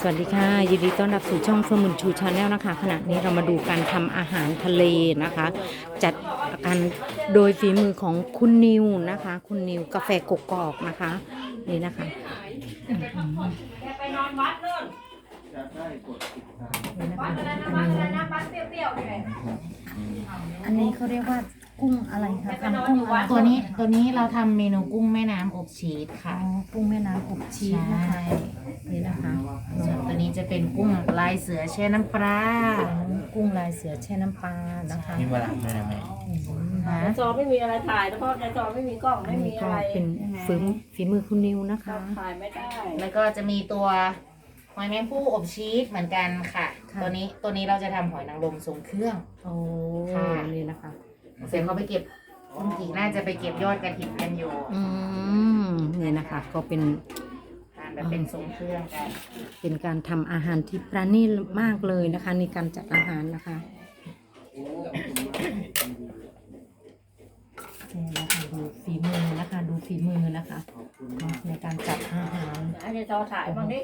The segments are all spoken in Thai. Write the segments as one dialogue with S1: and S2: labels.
S1: สวัสดีค่ะยินดีต้อนรับสู่ช่องเฟิร์มบุญชูชาแนลนะคะขณะนี้เรามาดูการทำอาหารทะเลนะคะจัดการโดยฝีมือของคุณนิวนะคะคุณนิวกาแฟกกอกนะคะนี่นะคะ
S2: ไปนอนวัดนู่นวัดอะไรนะวัดอะไรนะวัดเปรี้ยวๆนี่แหละ
S1: อันนี้เขาเรียกว่ากุ้งอะไรคะทำกุ้งอะไร
S3: ตัวนี้เราทำเมนูกุ้งแม่น้ำอบชีสค่ะ
S1: กุ้งแม่น้ำอบชีสนะคะนี่นะคะ
S3: ส่วนตัวนี้จะเป็นกุ้งลายเสือแช่น้ำปลา
S1: กุ้งลายเสือแช่น้ำปลานะคะ
S4: มีเวลาด้วยนะแม่
S2: ในจอไม่มีอะไรถ่ายเพราะในจอไม่มีกล้อง
S1: อั
S2: ไม่
S1: น
S2: มี
S1: นี้ก็
S2: อะไร
S1: เป็นฝีมือคุณนิวนะคะ
S2: ถ่ายไม่ได้
S3: แล้วก็จะมีตัวหอยแมงผู้อบชีสเหมือนกันค่ะ
S1: ค่ะ
S3: ตัวนี้เราจะทำหอยนางรมทรงเครื่อง
S1: โอ้
S3: ค่ะ
S1: นี่นะคะ
S3: เสร็จเขาไปเก็บคุณกีน่าจะไปเก็บยอดกระถิ่นกันอยู่
S1: นี่นะคะก็เป็น
S3: ทานแบบเป็นทรงเครื่องกัน
S1: เป็นการทำอาหารที่ประณีตมากเลยนะคะในการจัดอาหารนะคะนี่นะคะดูฝีมือนะคะดูฝีมือนะคะในการจัดอาหาร
S2: ในจอถ่ายบ้างดิ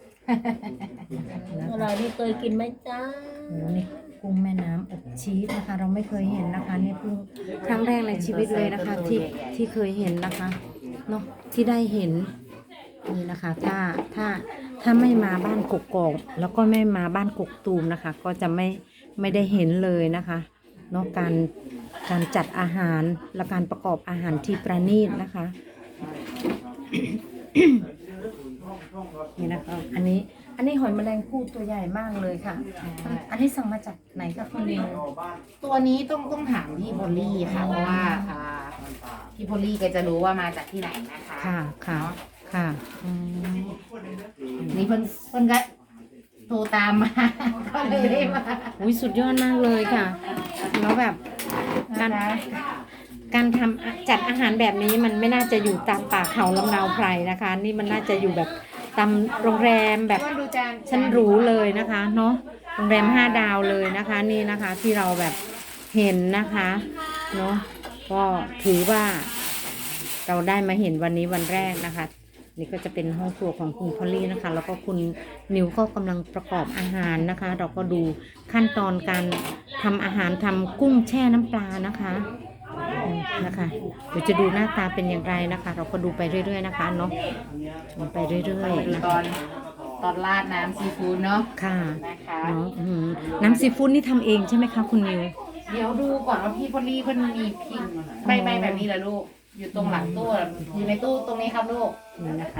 S2: อะไรนี่เคยกินไหมจ้า
S1: โอ้นี่กุ้งแม่น้ำอบชีสนะคะ เราไม่เคยเห็นนะคะนี่เพิ่งครั้งแรกในชีวิตเลยนะคะที่เคยเห็นนะคะเนาะที่ได้เห็นนี่นะคะถ้าไม่มาบ้านกกอกแล้วก็ไม่มาบ้านกกตูมนะคะ ก็จะไม่ได้เห็นเลยนะคะเนาะการจัดอาหารและการประกอบอาหารที่ประณีตนะคะ นี่นะคะอันนี้หอยแมลงภู่ตัวใหญ่มากเลยค่ะ อันนี้สั่งมาจากไหนคะคุณนิว
S3: ตัวนี้ต้องถามพี่พอลลี่ค่ะเพราะว่าพี่พอลลี่แกจะรู้ว่ามาจากที่ไหนนะคะ
S1: ค่ะค่ะค่ะอืม
S3: นี่เพิ่นก็โทรตามมา ก็เลยได้มา
S1: อุ้ยสุดยอดมากเลยค่ะแล้วแบบการทำจัดอาหารแบบนี้มันไม่น่าจะอยู่ตามป่าเขาลำเนาไพรนะคะ นี่มันน่าจะอยู่แบบตามโรงแรมแบบ
S3: ดูจาน
S1: ชั้นหรูเลยนะคะเนาะโรงแรม5 ดาวเลยนะคะนี่นะคะที่เราแบบเห็นนะคะเนาะก็ถือว่าเราได้มาเห็นวันนี้วันแรกนะคะนี่ก็จะเป็นห้องครัวของคุณพอลลี่นะคะแล้วก็คุณนิวก็กำลังประกอบอาหารนะคะ เราก็ดูขั้นตอนการทำอาหารทำกุ้งแช่น้ำปลานะคะนะคะเดี๋ยวจะดูหน้าตาเป็นอย่างไรนะคะ เราก็ดูไปเรื่อยๆนะคะเนาะดูไปเรื่อย
S3: ดู
S1: ๆนะ
S3: ต
S1: คะ
S3: อนราดน้ำซีฟู้ดเนาะ
S1: ค่ะ
S3: นะคะ
S1: เนาะน้ำซีฟู้ดนี่ทำเองใช่ไหมคะคุณนิว
S3: เดี๋ยวดูก่อนว่าพี่พอลลี่เพิ่นมีพิมพ์ใบแบบนี้เหรอลูกอยู่ตรงหลังตู้อยู่ในตู้ตรงนี้ครับลูก
S1: นี่นะคะ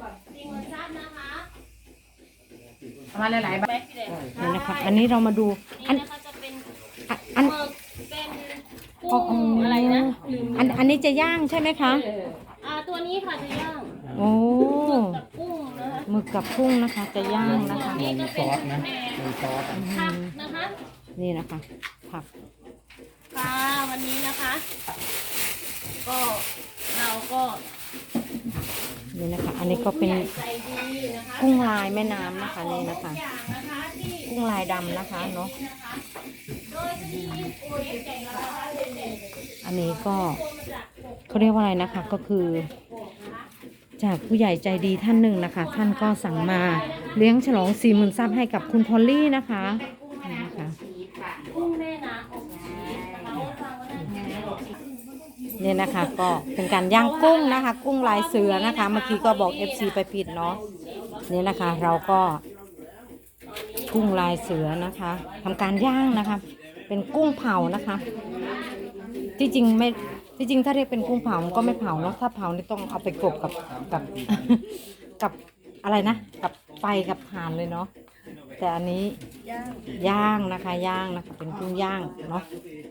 S3: เอามาหลายๆใบ
S1: นี่นะคะ อันนี้เรามาดูอัน
S2: จะเป็น
S1: อัน
S2: เป็น
S1: อ๋อ
S2: กุ้งอะไรนะลืม
S1: อันนี้จะย่างใช่ไหมคะ
S2: ตัวนี้ค่ะจะย่าง
S1: โอ้
S2: กับกุ้งนะคะ
S1: หมึกกับกุ้งนะคะ จะย่างนะคะ
S2: นี่ก็เป็นแหนม
S4: มีซอส
S2: ผักนะคะ
S1: นี่นะคะผัก
S2: ค่ะวันนี้นะคะ ก็เราก็
S1: นี่นะคะ อันนี้ก็เป็น
S2: ใจดีนะคะ
S1: กุ้งลายแม่น้ำนะคะนี่นะคะ
S2: อย่างนะคะที่
S1: กุ้งลายดำนะคะเนาะ
S2: โดยที่โอ้ยแก่งเรานะคะ
S1: อันนี้ก็เขาเรียกว่าอะไรนะคะก็คือ จากผู้ใหญ่ใจดีท่านหนึ่งนะคะ ท่านก็สั่งมาเลี้ยงฉลอง40,000 ซับให้กับคุณพอลลี่นะคะนี่นะคะ
S2: กุ้งแม่น้ำอบชีสนะคะฟังว่าได้ไง
S1: นี่นะคะก็เป็นการย่างกุ้งนะคะ กุ้งลายเสือนะคะ เมื่อกี้ก็บอก FC ไปผิดเนาะนี่นะคะ เราก็กุ้งลายเสือนะคะทำการย่างนะคะ เป็นกุ้งเผานะคะ ที่จริงไม่ที่จริงถ้าเรียกเป็นกุ้งเผามันก็ไม่เผาเนาะถ้าเผานี่ต้องเอาไปกลบกับ กับอะไรนะกับไฟกับถ่านเลยเนาะแต่อันนี้ย่างนะคะย่างนะคะเป็นกุ้งย่างเนาะ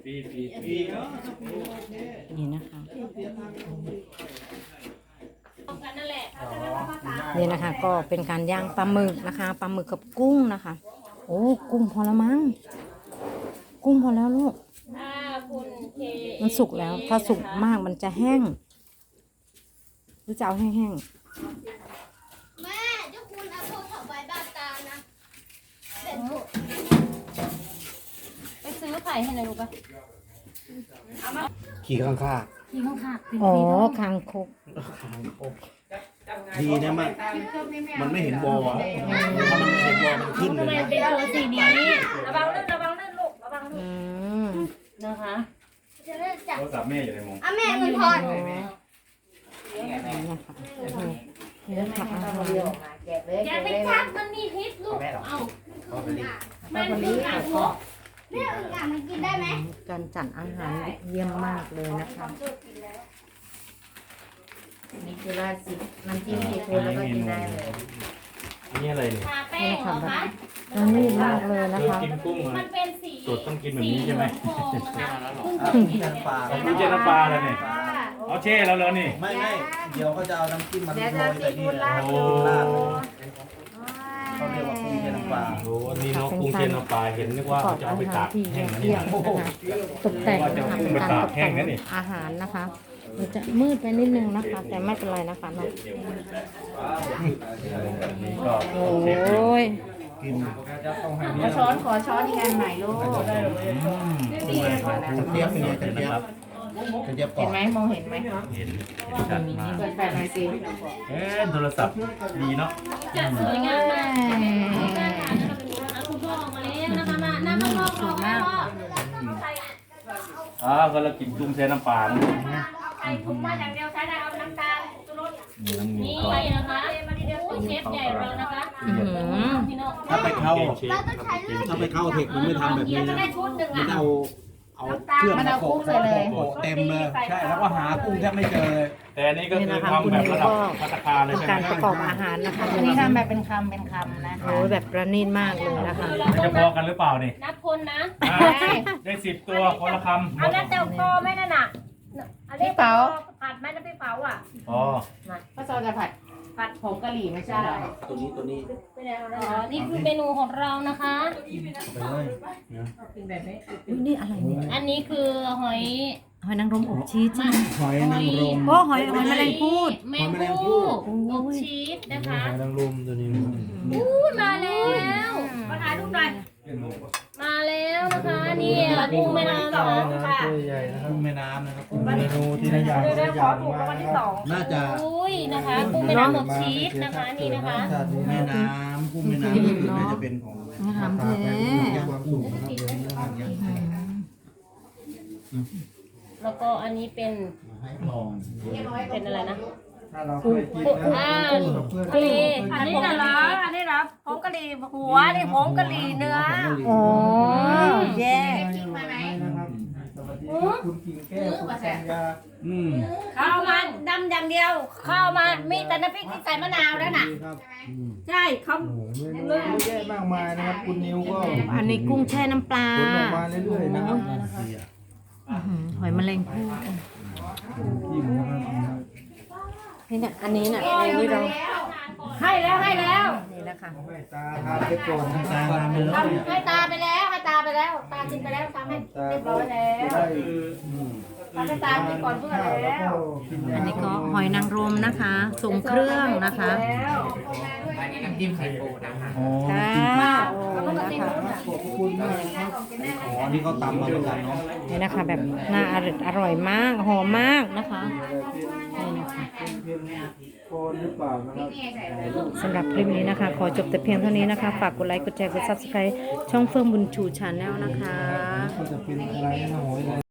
S1: นี่นะคะนี่นะคะก็เป็นการย่างปลาหมึกนะคะปลาหมึกกับกุ้งนะคะโอ้กุ้งพอแล้วมั้งกุ้งพอแล้วลูก
S2: ถ้าคุณเค
S1: มันสุกแล้วถ้าสุกมากมันจะแห้งหรือจะเอาแห้ง
S5: แม่เจ้าคุณเอาโทรศัพท์ไว้บ้านตานะ
S2: ไปซื้อไข่ให้หน่อยลูกปะ
S4: ขี่ข้างข้า
S2: ที่ข้างค่ะ
S1: ๆอ๋อคางคก
S4: ดีนะมันไม่เห็นบอถ้ามันเห็นขึ้น
S2: ทำ
S4: เล
S2: ไม
S4: ย
S2: เป็นตัวสีนี้ระวังลื่นลูกระวังลื่
S1: อื
S2: น
S1: ม
S2: นะคะ
S5: จะเลิกจับ
S6: โทรศัพท์แม่อยู่ในมุม
S5: อ่ะแม่เงินทอน
S1: นี่นะคะนี่นะคะอาหาร
S2: อย่าไปจับมันมีพิษลูกเอ้ามันคือการพก
S5: แม่อึ่งอ่ะมันกินได้ไหม
S1: การจัดอาหารเยี่ยมมากเลยนะคะ
S3: นี่คือราดซิน้ำจิ้มซีฟู้ดแล้วก็กินได้เลย
S6: นี่อะไรเนี่ย
S2: ทาแป้งเหรอคะ
S1: อันนี้มากเลยนะ
S6: คือ
S1: คะ
S6: กินกุ้ง
S2: มั
S6: อ่ะ
S2: นเป็นสี
S6: สูตรต้องกินแบบนี้ใช่ไหม
S2: สีเหลืองทองนะคะ
S4: กุ้งแช่น้ำปลา
S6: กุ้งเจน้ำปลาแล้วเนี่ยเอาเช่แล้วแล้วนี่
S4: ไม่เดี๋ยวเขาจะเอาน้ำจิ้มมันโรยแต่นี่นะ
S6: โอ้
S4: ราดเลยเขาเรียกว่ากุ้งแช่น้ำปลา
S6: โหอันนี้เนาะกุ้งเจน้ำปลาเห็นนึกว่า
S1: ประกอบ
S6: จะ
S1: อา
S6: เอาไป
S1: หา
S6: ตาร ก
S1: ที่
S6: แห้งนะ
S1: เยี่
S6: เนี่ย
S1: ยมนะคะตกแต่งนะคะเป็นการตกแต่งอาหารนะคะมันจะมืดไปนิดนึงนะคะ แต่ไม่เป็นไรนะคะเนาะ
S6: นี่ก็
S1: โอ้ย
S4: กิน
S3: ขอช้อนอีกอันใหม่ลูก
S4: กระเทียบเป็นไงกระเทียบกระเทียบกรอ
S3: เห็น
S4: บ
S3: ไหมมองเห็นไหม
S6: เห็นชัดมาก
S3: เปิดแฟลชหน่อยสิ
S6: โทรศัพท์ดีเนาะ
S2: จะสวยงามมากคุณพ่อออกมาแล้วนะคะมานั่งข้างนอกรอแม่พ่อ
S6: ก็เรากินกุ้งเจน้ำปลานะ
S2: ใส่ถุงมาอย่างเดียวใช้ได้เอาน้ำตาลชูรส
S6: นี่น้ำเงี้
S2: นี่
S6: ยวก็
S2: นะคะโอ้ยเชฟใหญ่เรานะคะ
S1: อื้อหือ
S2: พี่น้อง
S4: ถ้าไปเข้า
S6: เชฟนะครับ
S4: ถ้าไปเข้าเทคมันไม่ทำแบบนี้
S2: จะ
S4: นะ
S2: ได้ชุดหนึ่ง
S4: มัน
S2: อ่ะ
S4: เอาเครื่องมาโปะเต็มเลยใช่แล้วก็หากุ้งแทบไม่เจอเลย
S6: แต่อันนี้ก็คือทำแบบระดับภัตตาคารเลย
S1: เป็น
S6: ใช่ไหม
S1: การประกอบอาหารนะคะ
S3: อันนี้ทำแบบเป็นคำนะคะ
S1: โอ้ยแบบประณีตมากเลยนะคะ
S6: มันจะพอกันหรือเปล่านี่
S2: นับคนนะ
S6: ได้10 ตัวคนละคำหม
S2: เอา
S6: ด
S2: แล้วแต่พอไหมนั่นน่ะอันนี้ผัดไหมน้ำพริกเผาอ่ะ
S6: อ๋อ
S3: ก็ซอจะผัดผงกะหรี่ไม่ใช่เหรอ
S4: ตัวนี้
S2: นี่คือเมนูของเรานะคะ
S4: ไปเลย
S1: อุ๊ยนี่อะไรเนี่ย
S2: อันนี้คือหอย
S1: หอยนางรมอบชีสใช่ไหม
S4: หอยนางรม
S1: โอ้หอยแมลงภู่
S2: แมงภู่อบชีสนะคะ
S4: หอยนางรมตัวนี้
S2: อู้มาแล้วมาถ่ายรูปหน่อยมาแล้วนะคะนี่กุ้งแม่น้ำนะคะ
S4: กุ้งแม่น้ำนะครับ
S7: เมนูที่น่าอยาก
S2: เดี๋ยวขอถูกรางวัลที่สอง
S4: น่าจะ
S2: อุ้ยนะคะกุ้งแม่น้ำอบชีสนะคะนี่นะคะ
S4: กุ้งแม่น้ำกุ้งแม่น้ำนี่น่าจะเป็นของ
S1: อาหารแท้
S4: ย่างกุ้งนะครับเดี๋ยวนี้ย่างย่าง
S2: แล้วก็อันนี้เป็น
S4: ให้ลอง
S2: เป็นอะไรนะ
S7: ถ้าเราเคยกินนะ
S2: ทะเลอันนี้น่ะเหรออันนี้เหรอผงกะหรี่หัวนี่ผงกะหรี่เนื้อ
S1: โอ้แย่
S7: นะครับสวัสดีครับคุณกิ่งแก้วคุณสัญญา
S2: ข้าวมันดำอย่างเดียวข้าวมันมีแต่น้ำพริกที่ใส่มะนาวแล้วน่ะ
S7: ครับ
S2: ใช่เขา
S7: โอ้โหเมนูเยอะแยะมากมายนะครับคุณนิวก็
S1: อันนี้กุ้งแช่น้ำปลา
S7: ขนออกมาเรื่อยๆนะครับ
S1: อื้อหือหอยแมลงภู่
S7: จิ้มนะครับ
S1: นี่เนี่ยอันนี้เนี่ยนี่เรา
S2: ให้แล้วให้แล้ว
S1: นี่นะคะ
S7: ให้ตาทานไปก่อนนะตา
S4: ตามไปแล้วเนี่ย
S2: ให้ตาไปแล้วให้ตาไปแล้วตากินไปแล้วทำให้เรียบร้อยแล้ว
S7: ได้
S2: ทำให้ตากินก่อนเพื่อน
S7: ข้าว
S2: แล้
S7: แล้ว
S2: ว
S7: ก็กิน
S1: อันนี้ก็หอยนางรมนะคะทรงเครื่องนะคะ
S2: แล้ว
S3: น้ำจิ้มไข่ปูนะคะ
S4: อ๋อ
S1: ค่ะโอ้นะคะ
S7: ขอบคุณมากครับ
S4: อ๋อนี่เขาตำมาเหมือนกันเนาะ
S1: นี่นะคะแบบน่าอร่อยมากหอมมากนะคะนี่นะคะ
S7: เป็นเพียงพอหรือเปล่านะครับ
S1: สำหรับคลิปนี้นะคะ ขอจบแต่เพียงเท่านี้นะคะ ฝากกดไลค์กดแชร์กด Subscribe ช่องเฟื่องบุญชูชาแนลนะคะ
S7: ก็จะเป็นอะไรนะหอย